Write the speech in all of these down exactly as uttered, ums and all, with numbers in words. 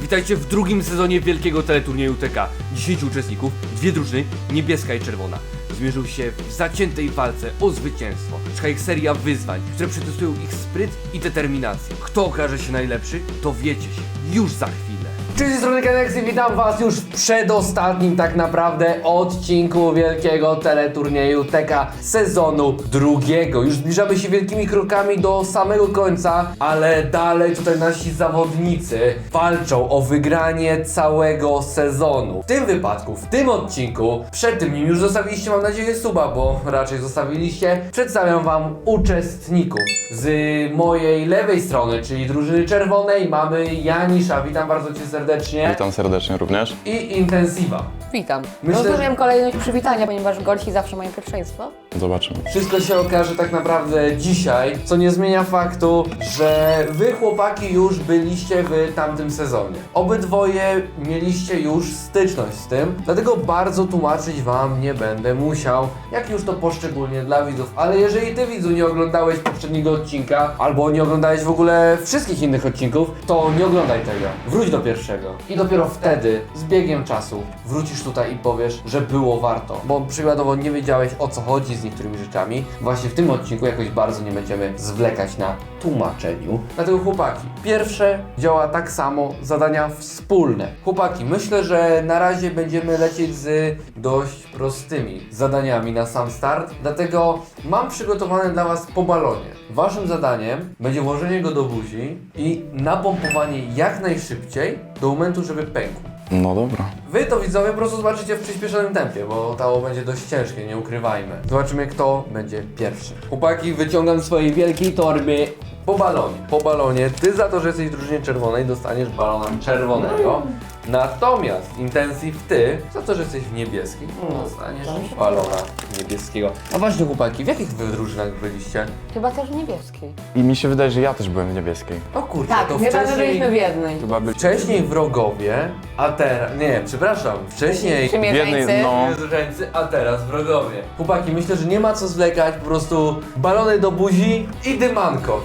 Witajcie w drugim sezonie wielkiego teleturnieju T K. dziesięciu uczestników, dwie drużyny, niebieska i czerwona, zmierzył się w zaciętej walce o zwycięstwo. Czeka ich seria wyzwań, które przetestują ich spryt i determinację. Kto okaże się najlepszy, dowiecie się już za chwilę. Cześć, z strony Kenexy, witam was już w przedostatnim tak naprawdę odcinku wielkiego teleturnieju T K sezonu drugiego. Już zbliżamy się wielkimi krokami do samego końca, ale dalej tutaj nasi zawodnicy walczą o wygranie całego sezonu. W tym wypadku, w tym odcinku, przed tym nim już zostawiliście, mam nadzieję, suba, bo raczej zostawiliście. Przedstawiam wam uczestników. Z mojej lewej strony, czyli drużyny czerwonej, mamy Janisza, witam bardzo cię serdecznie. Witam serdecznie również. I Intensiva. Witam. Myślę, Rozumiem że- kolejność przywitania, ponieważ gości zawsze mają pierwszeństwo. Zobaczymy. Wszystko się okaże tak naprawdę dzisiaj, co nie zmienia faktu, że wy chłopaki już byliście w tamtym sezonie. Obydwoje mieliście już styczność z tym, dlatego bardzo tłumaczyć wam nie będę musiał, jak już to poszczególnie dla widzów. Ale jeżeli ty, widzu, nie oglądałeś poprzedniego odcinka, albo nie oglądałeś w ogóle wszystkich innych odcinków, to nie oglądaj tego. Wróć do pierwszego. I dopiero wtedy, z biegiem czasu, wrócisz tutaj i powiesz, że było warto. Bo przykładowo nie wiedziałeś, o co chodzi z niektórymi rzeczami. Właśnie w tym odcinku jakoś bardzo nie będziemy zwlekać na tłumaczeniu. Dlatego chłopaki, pierwsze działa tak samo, zadania wspólne. Chłopaki, myślę, że na razie będziemy lecieć z dość prostymi zadaniami na sam start. Dlatego mam przygotowane dla was po balonie. Waszym zadaniem będzie włożenie go do buzi i napompowanie jak najszybciej do momentu, żeby pękł. No dobra. Wy to, widzowie, po prostu zobaczycie w przyspieszonym tempie, bo to będzie dość ciężkie, nie ukrywajmy. Zobaczymy, kto będzie pierwszy. Chłopaki, wyciągam z swojej wielkiej torby po balonie. Po balonie, ty za to, że jesteś w drużynie czerwonej, dostaniesz balona czerwonego. Natomiast Intensive, ty za to, że jesteś w niebieskiej, dostaniesz balona niebieskiego. A właśnie, chłopaki, w jakich wy drużynach byliście? Chyba też niebieskiej. I mi się wydaje, że ja też byłem w niebieskiej. O kurczę, Tak, to chyba że wcześniej... byliśmy w jednej. Chyba byli... Wcześniej wrogowie, a teraz... Nie, przepraszam, wcześniej... Przymierzeńcy. jednej, no. Zwierzęcy, a teraz wrogowie. Chłopaki, myślę, że nie ma co zwlekać, po prostu balony do buzi i dymanko.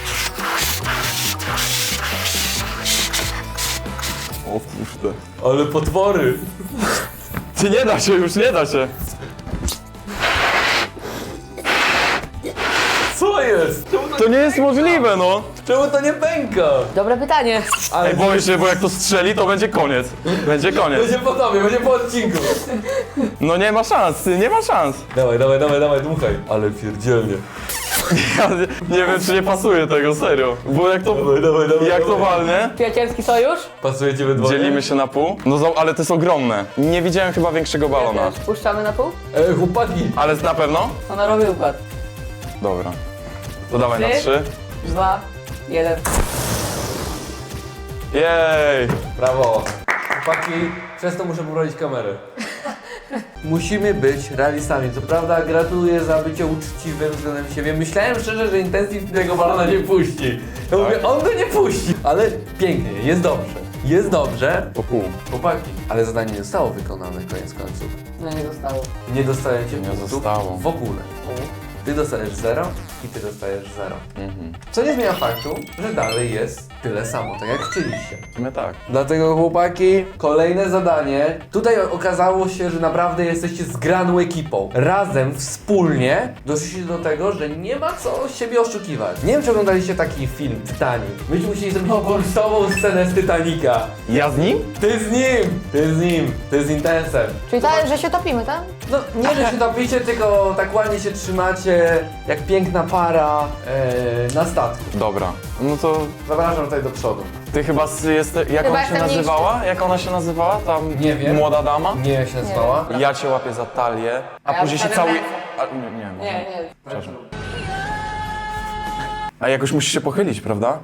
O kurde. Ale potwory. Ty nie da się, już nie da się. Co jest? Czemu to, To nie jest możliwe, no. czemu to nie pęka? Dobre pytanie. Ale Ej, boję się, bo jak to strzeli, to będzie koniec. Będzie koniec. będzie po tobie, będzie po odcinku. No nie ma szans, ty, nie ma szans. Dawaj, dawaj, dawaj, dawaj, dmuchaj. Ale pierdzielnie. Ja nie, nie wiem, czy nie pasuje tego, serio. Bo jak to, Dawaj, dawaj, dawaj. jak to dawaj. walnie, Przyjacielski sojusz? Pasujecie we dwoje? dzielimy się na pół. No zo- ale to jest ogromne. Nie widziałem chyba większego balona. Też. Puszczamy na pół? E, chłopaki. Ale na pewno? Ona robi układ. Dobra. To dawaj na Trzy. trzy. Dwa, jeden. Jej! Brawo. Chłopaki, przez to muszę poprawić kamerę. Musimy być realistami. Co prawda gratuluję za bycie uczciwym względem siebie. Myślałem szczerze, że Intensive tego balona nie puści. Ja mówię, on go nie puści. Ale pięknie, jest dobrze. Jest dobrze. Po pół. Chłopaki, ale zadanie nie zostało wykonane koniec końców. No nie zostało. Nie dostajecie Nie punktów zostało. w ogóle. Ty dostajesz zero i ty dostajesz zero. Mhm. Co nie zmienia faktu, że dalej jest tyle samo, tak jak chcieliście. W sumie tak. Dlatego, chłopaki, kolejne zadanie. Tutaj okazało się, że naprawdę jesteście zgraną ekipą. Razem, wspólnie doszliście do tego, że nie ma co siebie oszukiwać. Nie wiem, czy oglądaliście taki film Titanic. Myśmy musieli zrobić kultową scenę z Titanica. Ja z nim? Ty z nim! Ty z nim! Ty z Intensem. Czyli tak, że się topimy, tak? No, nie, że się topicie, tylko tak ładnie się trzymacie, jak piękna para e, na statku. Dobra. No to Zapraszam tutaj do przodu. ty chyba z- jest. Jak Chyba ona się jestem nazywała? Jak ona się nazywała? Tam Nie wiem. młoda dama? Nie jak się nazywała? Ja cię łapię za talię, a Ja później się wstawiam cały. ręce. A, nie, nie, może. Nie, nie. Przepraszam. A jakoś musisz się pochylić, prawda?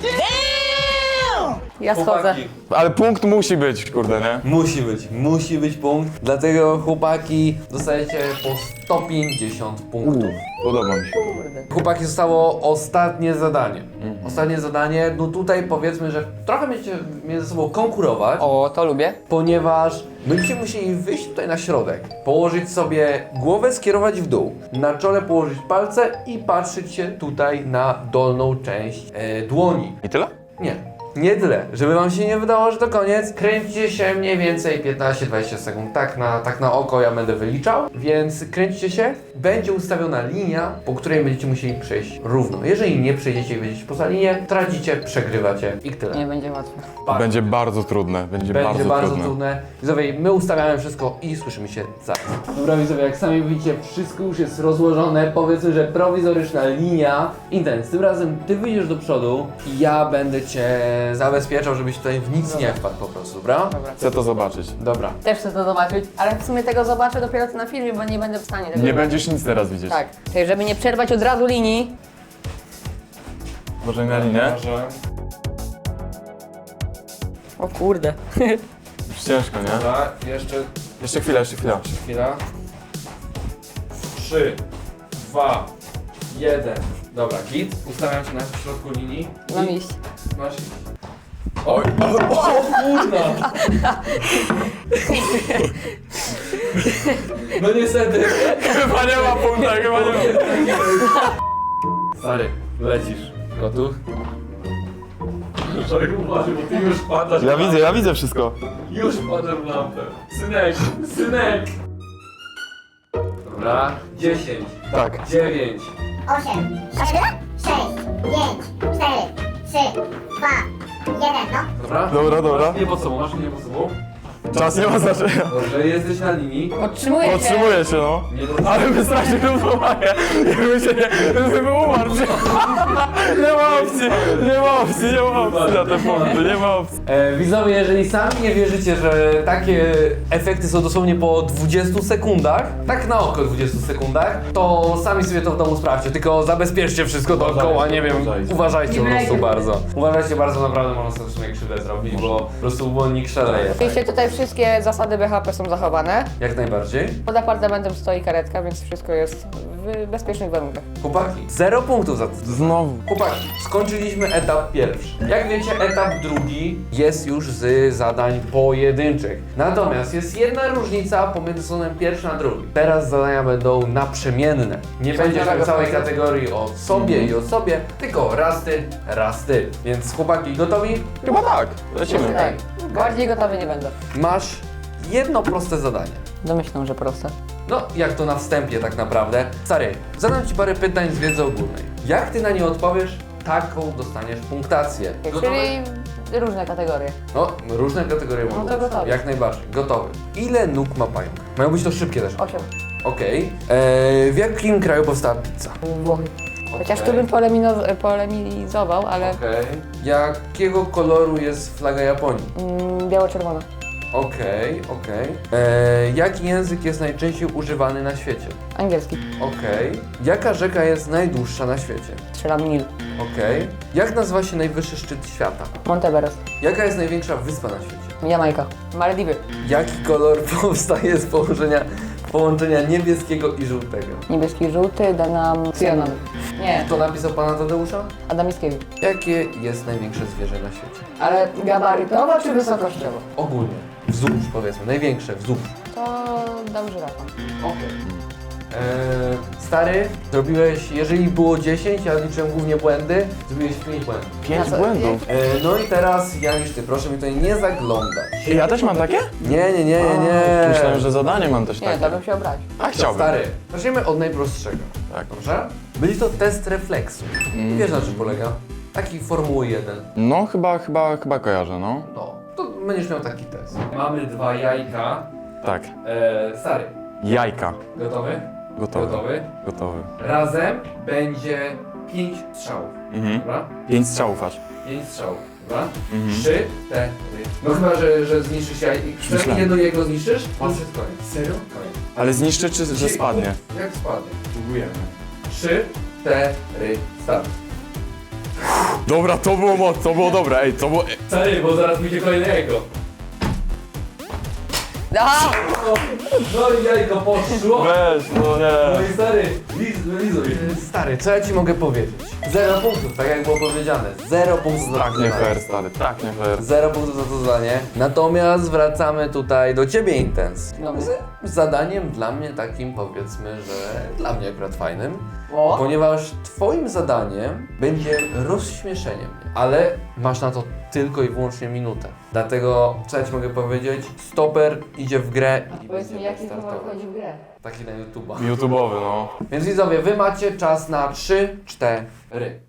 Ja schodzę. Chłopaki, Ale punkt musi być, kurde, nie? musi być, musi być punkt. Dlatego, chłopaki, dostajecie po sto pięćdziesiąt punktów. Podoba mi się. Kurde. Chłopaki, zostało ostatnie zadanie. Ostatnie zadanie, no tutaj powiedzmy, że trochę będziecie między sobą konkurować, O, to lubię. ponieważ będziecie musieli wyjść tutaj na środek, położyć sobie głowę, skierować w dół, na czole położyć palce i patrzeć się tutaj na dolną część e, dłoni. I tyle? Nie, nie tyle. Żeby wam się nie wydało, że to koniec, kręćcie się mniej więcej piętnaście dwadzieścia sekund. Tak na, tak na oko ja będę wyliczał, więc kręćcie się. Będzie ustawiona linia, po której będziecie musieli przejść równo. Jeżeli nie przejdziecie i będziecie poza linię, tracicie, przegrywacie i tyle. Nie będzie łatwe. Będzie bardzo trudne, będzie, Będzie bardzo, bardzo, trudne. trudne. Widzowie, my ustawiamy wszystko i słyszymy się zaraz. Dobra widzowie, jak sami widzicie, wszystko już jest rozłożone. Powiedzmy, że prowizoryczna linia. Intens, tym razem ty wyjdziesz do przodu i ja będę cię zabezpieczał, żebyś tutaj w nic nie wpadł po prostu, dobra? Dobra. Chcę to zobaczyć. Dobra. Też chcę to zobaczyć, ale w sumie tego zobaczę dopiero na filmie, bo nie będę w stanie tego Nie zobaczyć. będziesz nic teraz widzieć. Tak, czyli żeby nie przerwać od razu linii. Może na linię? O kurde. Już ciężko, nie? Dobra, jeszcze Jeszcze chwilę, jeszcze chwilę. chwila. Trzy, dwa, jeden. Dobra, git. Ustawiam się na środku linii. Mam I iść. masz iść. Oj, o, o kurna! No niestety. Chyba nie ma punkta, chyba nie ma. Stary, lecisz. Gotów? Człowiek uważaj, bo ty już padasz. Ja widzę, ja widzę wszystko. Już wpadłem w lampę. Synek, synek! Dobra, dziesięć, Tak. dziewięć, osiem, siedem, sześć, pięć, cztery, trzy, dwa, jeden, no. dobra? Dobra, dobra. Masz nie pod sobą, masz nie pod sobą. Czas nie ma znaczenia. Dobrze, jesteś na linii. Podtrzymuję się. Podtrzymuję się, no. Nie pod sobą. Ale my strasznie równowagę. Jakby się nie... Jakby umarł. Nie ma opcji, nie ma opcji, nie ma opcji na te punkty, nie ma opcji. E, widzowie, jeżeli sami nie wierzycie, że takie efekty są dosłownie po dwudziestu sekundach, tak na oko dwudziestu sekundach, to sami sobie to w domu sprawdźcie, tylko zabezpieczcie wszystko dookoła, nie wiem, uważajcie. uważajcie po prostu Uważajcie. bardzo. Uważajcie bardzo, naprawdę można sobie w sumie krzywdę zrobić, bo po prostu błonnik szaleje. Oczywiście tutaj wszystkie zasady B H P są zachowane. Jak najbardziej. Pod apartamentem stoi karetka, więc wszystko jest w bezpiecznych warunkach. Chłopaki, zero punktów za to. Znowu. Chłopaki, skończyliśmy etap pierwszy. Jak wiecie, etap drugi jest już z zadań pojedynczych. Natomiast jest jedna różnica pomiędzy sezonem pierwszym a drugim. Teraz zadania będą naprzemienne. Nie będzie tak całej kategorii o sobie i o sobie, tylko raz ty, raz ty. Więc chłopaki, gotowi? Chyba tak. Lecimy. Tak. Bardziej gotowy nie będę. Masz jedno proste zadanie. Domyślam, że proste. No, jak to na wstępie tak naprawdę. Stary, zadam ci parę pytań z wiedzy ogólnej. Jak ty na nie odpowiesz, taką dostaniesz punktację. Gotowy? Czyli różne kategorie. No, różne kategorie No mogą to być. gotowy. Jak najbardziej. Gotowy. Ile nóg ma pająk? Mają być to szybkie też. Osiem. Okej. Eee, w jakim kraju powstała pizza? Włochy. Chociaż Okej. tu bym polemino- polemizował, ale Okej. Jakiego koloru jest flaga Japonii? mm, biało-czerwona. Okej, okej. Eee, Jaki język jest najczęściej używany na świecie? Angielski. Okej. Jaka rzeka jest najdłuższa na świecie? Strzelam Nil. Okej. Jak nazywa się najwyższy szczyt świata? Monteveres. Jaka jest największa wyspa na świecie? Jamajka. Malediwy. Jaki kolor powstaje z połączenia, połączenia niebieskiego i żółtego? Niebieski, żółty, da nam cyjanon. Nie, Kto napisał pana Tadeusza? Adam Mickiewicz. Jakie jest największe zwierzę na świecie? Ale gabarytowo czy wysokościowo? Ogólnie. Wzdłuż powiedzmy, największe wzdłuż. To dam żyrafa. Okej. Eee, stary, zrobiłeś, jeżeli było dziesięć, ja liczyłem głównie błędy, zrobiłeś pięć błędów. Pięć Na co- błędów. Eee, no i teraz ja niż ty, proszę mi tutaj nie zaglądać. I ja też mam takie? Nie, nie, nie, nie, nie. A, Myślałem, że zadanie mam też Nie, takie. to bym się obraził. A chciałbym. Stary, zacznijmy od najprostszego. Tak. Dobrze? Będzie to test refleksu. Wiesz na czym polega? Taki Formuły jeden. No chyba, chyba, chyba kojarzę, no. No, to będziesz miał taki test. Mamy dwa jajka. Tak. Eee, stary, Jajka. gotowy? Gotowy. Gotowy? Gotowy. Razem będzie pięć strzałów. Mhm. Dobra? Pięć strzałów aż. Pięć strzałów. Dobra? Mhm. Trzy, cztery. No chyba, że, że zniszczysz jajko. Myślałem. Przynajmniej jedno jajko zniszczysz, to już jest koniec. Serio? Koniec. Ale zniszczy czy że spadnie? Jak spadnie? Próbujemy. Trzy, cztery, start. Dobra, to było moc, to było dobre, ej, to było... Stary, bo zaraz będzie kolejne jajko. Aha! No i jajko poszło. Weź, no No nie. i stary, liz, lizuj. Stary, co ja ci mogę powiedzieć? Zero punktów, tak jak było powiedziane. Zero punktów za Tak to nie zadanie. fair, stary, tak nie fair. Zero punktów za to zadanie. Natomiast wracamy tutaj do ciebie, Intens. Dobra. Z, zadaniem dla mnie takim, powiedzmy, że dla mnie akurat fajnym, O. ponieważ twoim zadaniem będzie rozśmieszenie mnie, ale masz na to tylko i wyłącznie minutę. Dlatego, co ja ci mogę powiedzieć, stoper idzie w grę i Powiedz mi, będzie jaki humor startował. wchodzi w grę? Taki na YouTube'a. YouTube'owy, no. Więc widzowie, wy macie czas na trzy, cztery.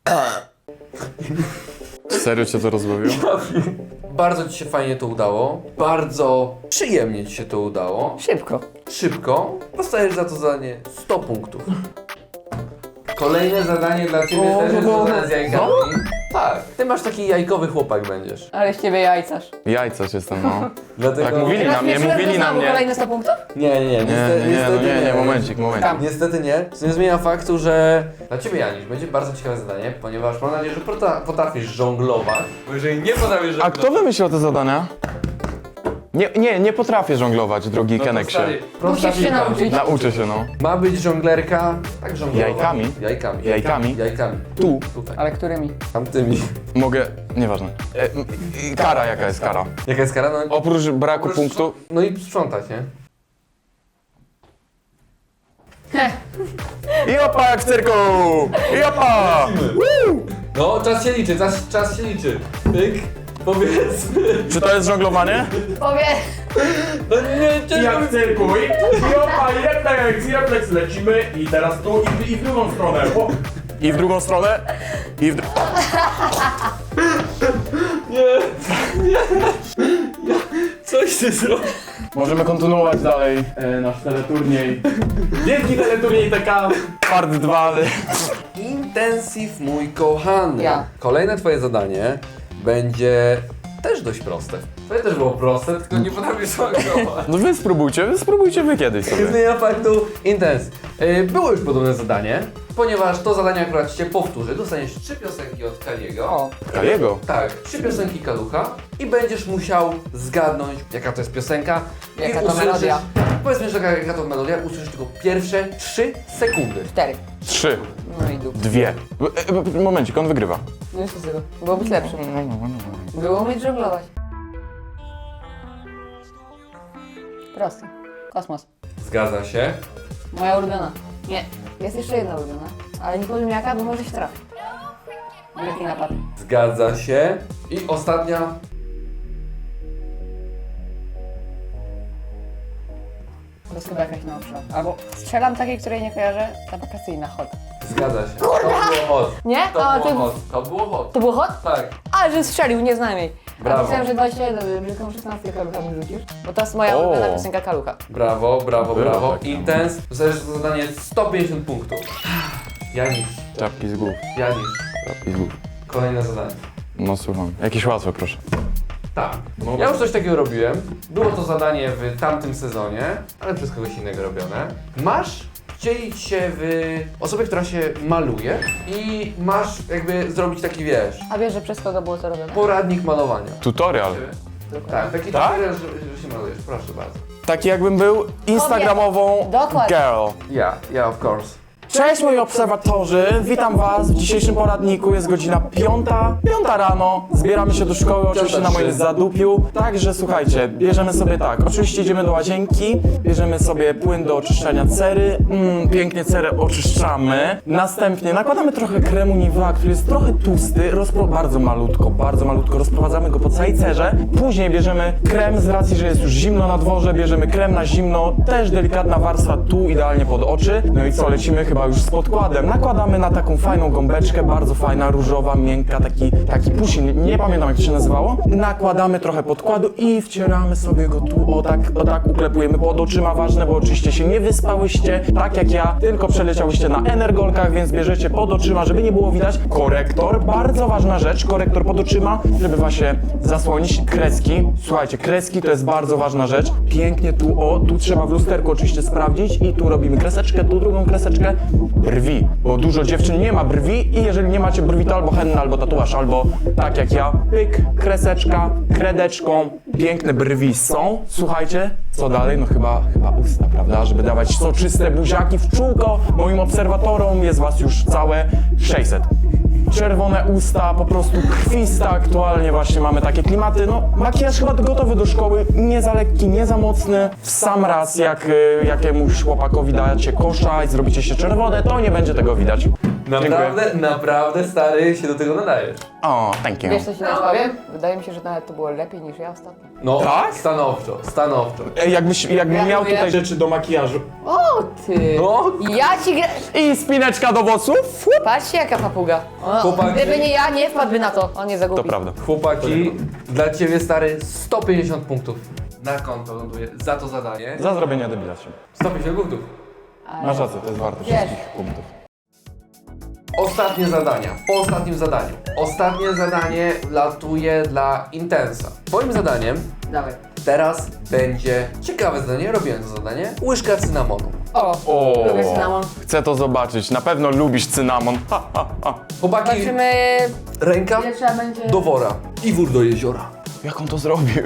Serio cię to rozbawiło? Bardzo ci się fajnie to udało, bardzo przyjemnie ci się to udało. Szybko. Szybko, dostajesz za to zadanie sto punktów. Kolejne zadanie dla ciebie O, też jest no. zadanie z jajkami. Tak, ty masz taki jajkowy chłopak będziesz. Ale z ciebie jajcarz. Jajcarz jestem, no. Dlatego... Tak mówili na mnie, Rozśmieszyłem mówili to na znowu mnie. kolejne sto punktów? Nie, nie, nie, Nie, niestety, nie, nie, no niestety nie, nie, momencik, momencik. Tam. Niestety nie, co nie zmienia faktu, że dla ciebie, Janisz, będzie bardzo ciekawe zadanie, ponieważ mam nadzieję, że pota- potrafisz żonglować. Bo jeżeli nie potrafisz A żonglować... kto wymyślił te zadania? Nie, nie, nie potrafię żonglować, drogi no to Keneksie. stary, prosta Musisz się piłka. nauczyć. Nauczę się, no. Ma być żonglerka, tak żonglować. Jajkami? Jajkami. Jajkami? Jajkami. Tu. Tutaj. Ale którymi? Tamtymi. Mogę, nieważne. E, m, i kara, jaka jest kara? Jaka jest kara? No, Oprócz braku oprócz- punktu, No i sprzątać, nie? i opa jak w cyrku! I opa! No, czas się liczy, czas, czas się liczy. Pyk, powiedzmy. Czy to jest żonglowanie? Powie! No nie, I jak w cyrku, i, i opa, i refleks, i refleks, lecimy i teraz tu i, i w drugą stronę. O, I w drugą stronę? I w dru... Coś ty zrobił. Możemy kontynuować dalej e, nasz teleturniej. wielki teleturniej T K. Part dwa. Intensive, mój kochany. Ja. Kolejne twoje zadanie będzie też dość proste. Twoje też było proste, tylko nie potrafisz żonglować. No wy spróbujcie, wy spróbujcie wy kiedyś Nie sobie. zmienia faktu Intens. Yy, było już podobne zadanie, ponieważ to zadanie akurat się powtórzy. Dostaniesz trzy piosenki od Kaliego. O. Kaliego? Tak, trzy piosenki Kalucha i będziesz musiał zgadnąć, jaka to jest piosenka. Jaka I to usłyszysz- melodia. Powiedzmy, że jaka, jaka to melodia, usłyszysz tylko pierwsze trzy sekundy. Cztery. Trzy. No i dup. Dwie. E, e, momencik, on wygrywa. No już z tego. Było być lepszym. Było umieć żonglować. Prosty. Kosmos. Zgadza się. Moja ulubiona. Nie. Jest jeszcze jedna ulubiona. Ale nie powiem jaka, bo może się trafi. Wielki napad. Zgadza się. I ostatnia. To jest chyba jakaś nowsza. Albo strzelam takiej, której nie kojarzę. Ta wakacyjna hot. Zgadza się. To było hot. Nie? To A, było ty... hot. To było hot. To było hot? Tak. A, że strzelił, nie znam jej. Brawo. A myślałem, że dwadzieścia jeden, brzydką szesnastkę kaluchami rzucisz. Bo to jest moja O. ulubiona piosenka Kalucha. Brawo, brawo, Było brawo. takie. Intens. Dostajesz za zadanie sto pięćdziesiąt punktów. Janisz. Czapki z głów. Janisz. Czapki z głów. Kolejne zadanie. No słucham. Jakieś łatwe, proszę. Tak. Ja już coś takiego robiłem. Było to zadanie w tamtym sezonie, ale przez kogoś innego robione. Masz wcielić się w osobę, która się maluje i masz jakby zrobić taki, wiesz, A wiesz, że przez kogo było to robione? poradnik malowania. Tutorial. Tak, taki Tak? tutorial, że, że się malujesz, proszę bardzo. Taki jakbym był instagramową Dokładnie. girl. Ja, ja of course. Cześć moi obserwatorzy, witam was w dzisiejszym poradniku, jest godzina piąta, piąta rano, zbieramy się do szkoły, oczywiście na moim zadupiu, także słuchajcie, bierzemy sobie tak, oczywiście idziemy do łazienki, bierzemy sobie płyn do oczyszczania cery, mm, pięknie cerę oczyszczamy, następnie nakładamy trochę kremu Nivea, który jest trochę tłusty, rozpro... bardzo malutko, bardzo malutko, rozprowadzamy go po całej cerze, później bierzemy krem z racji, że jest już zimno na dworze, bierzemy krem na zimno, też delikatna warstwa tu, idealnie pod oczy, no i co, lecimy chyba już z podkładem. Nakładamy na taką fajną gąbeczkę, bardzo fajna, różowa, miękka, taki, taki pusin, nie, nie pamiętam jak to się nazywało. Nakładamy trochę podkładu i wcieramy sobie go tu, o tak, o tak uklepujemy pod oczyma, ważne, bo oczywiście się nie wyspałyście, tak jak ja, tylko przeleciałyście na energolkach, więc bierzecie pod oczyma, żeby nie było widać. Korektor, bardzo ważna rzecz, korektor pod oczyma, żeby właśnie zasłonić kreski. Słuchajcie, kreski to jest bardzo ważna rzecz. Pięknie tu, o, tu trzeba w lusterku oczywiście sprawdzić i tu robimy kreseczkę, tu drugą kreseczkę. Brwi, bo dużo dziewczyn nie ma brwi i jeżeli nie macie brwi, to albo henna, albo tatuaż, albo tak jak ja, pyk, kreseczka, kredeczką, piękne brwi są. Słuchajcie, co dalej? No chyba, chyba usta, prawda? Żeby dawać soczyste buziaki w czółko moim obserwatorom, jest was już całe sześćset. czerwone usta, po prostu krwista aktualnie właśnie mamy takie klimaty. No, makijaż chyba gotowy do szkoły, nie za lekki, nie za mocny. W sam raz, jak y, jakiemuś chłopakowi dacie kosza i zrobicie się czerwone, to nie będzie tego widać. Naprawdę, naprawdę stary się do tego nadajesz. O, thank you. Wiesz co ci teraz powiem? Wydaje mi się, że nawet to było lepiej niż ja ostatnio. No, Tak? stanowczo, stanowczo. Ej, Jakbyś, jakbym miał Gratuluję. tutaj Rzeczy do makijażu. O ty! No. Ja ci gra... i spineczka do włosów. Patrzcie jaka papuga. O, Chłopaki. gdyby nie ja, nie wpadłby na to. On nie zagubi. To prawda. Chłopaki, dla ciebie stary sto pięćdziesiąt punktów na konto ląduje za to zadanie. Za zrobienie debila się. sto pięćdziesiąt punktów. Masz rację, to jest warte Wiesz. wszystkich punktów. Ostatnie zadania. Po ostatnim zadaniu. Ostatnie zadanie latuje dla Intensa. Twoim zadaniem Dawaj. teraz będzie ciekawe zadanie. Robiłem to zadanie. Łyżka cynamonu. O, O, lubię cynamon. chcę to zobaczyć. Na pewno lubisz cynamon. Ha, ha, ha. Chłopaki, Zobaczymy, ręka ile trzeba będzie... do wora i wór do jeziora. Jak on to zrobił?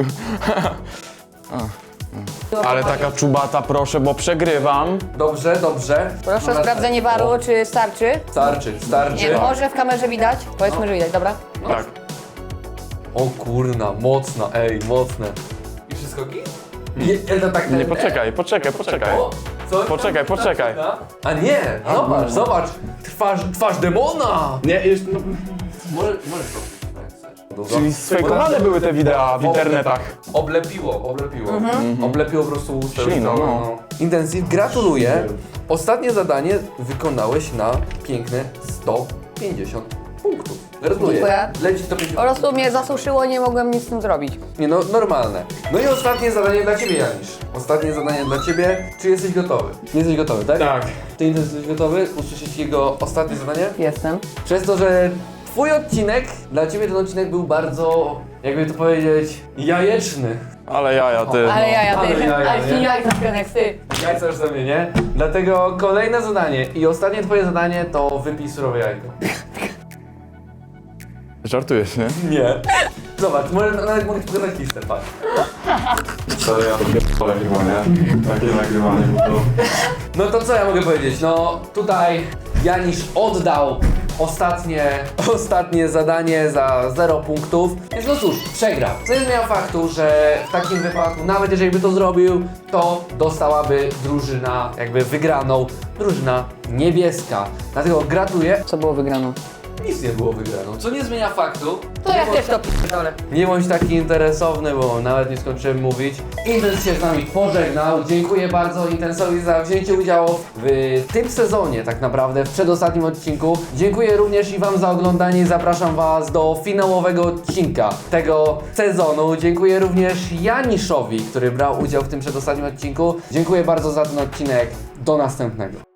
Ale taka czubata, proszę, bo przegrywam. Dobrze, dobrze. Proszę o sprawdzenie waru, czy starczy. Starczy, starczy. Nie, może w kamerze widać? Powiedzmy, że widać, dobra? Tak. O kurna, mocna, ej, mocne. I wszystko git? Nie, to tak Nie, poczekaj, poczekaj, poczekaj. O, co? Poczekaj, poczekaj. A nie, zobacz, zobacz. Twarz, twarz demona. Nie, jeszcze, no, Może, możesz to. Czyli sfejkowane były te wideo w internetach. Oblepiło, oblepiło. Oblepiło po prostu usta. Śliną, no. Intensive, gratuluję. Ostatnie zadanie wykonałeś na piękne sto pięćdziesiąt punktów. Gratuluję. Dziękuję. Leci sto Po pięćdziesiąt. prostu mnie zasuszyło, nie mogłem nic z tym zrobić. Nie no, normalne. No i ostatnie zadanie dla ciebie, Janisz. Ostatnie zadanie dla ciebie. Czy jesteś gotowy? Nie jesteś gotowy, tak? tak. Ty jesteś gotowy usłyszeć jego ostatnie zadanie? Jestem. Przez to, że twój odcinek, dla ciebie ten odcinek był bardzo, jakby to powiedzieć, jajeczny. Ale jaja, ty. Ale ja, ja, ty. Ale jaja, Ale nie? ci jaj jak ty. Jajca już sobie, nie? Dlatego kolejne zadanie i ostatnie twoje zadanie to wypij surowe jajko. Żartujesz, nie? Nie. Zobacz, może, nawet mogę ci pokazać listę, patrz. To ja ale chyba, nie? Takie nagrywanie, bo to... No to co ja mogę powiedzieć? No tutaj Janisz oddał ostatnie, ostatnie zadanie za zero punktów. Więc no cóż, przegrał. Co nie zmienia faktu, że w takim wypadku, nawet jeżeli by to zrobił, to dostałaby drużyna, jakby wygraną, drużyna niebieska. Dlatego gratuluję. Co było wygraną? Nic nie było wygraną, co nie zmienia faktu. To ja też to p***dolę. Nie bądź taki interesowny, bo nawet nie skończyłem mówić. Intens się z nami pożegnał. Dziękuję bardzo Intensowi za wzięcie udziału w tym sezonie, tak naprawdę, w przedostatnim odcinku. Dziękuję również i Wam za oglądanie i zapraszam Was do finałowego odcinka tego sezonu. Dziękuję również Janiszowi, który brał udział w tym przedostatnim odcinku. Dziękuję bardzo za ten odcinek. Do następnego.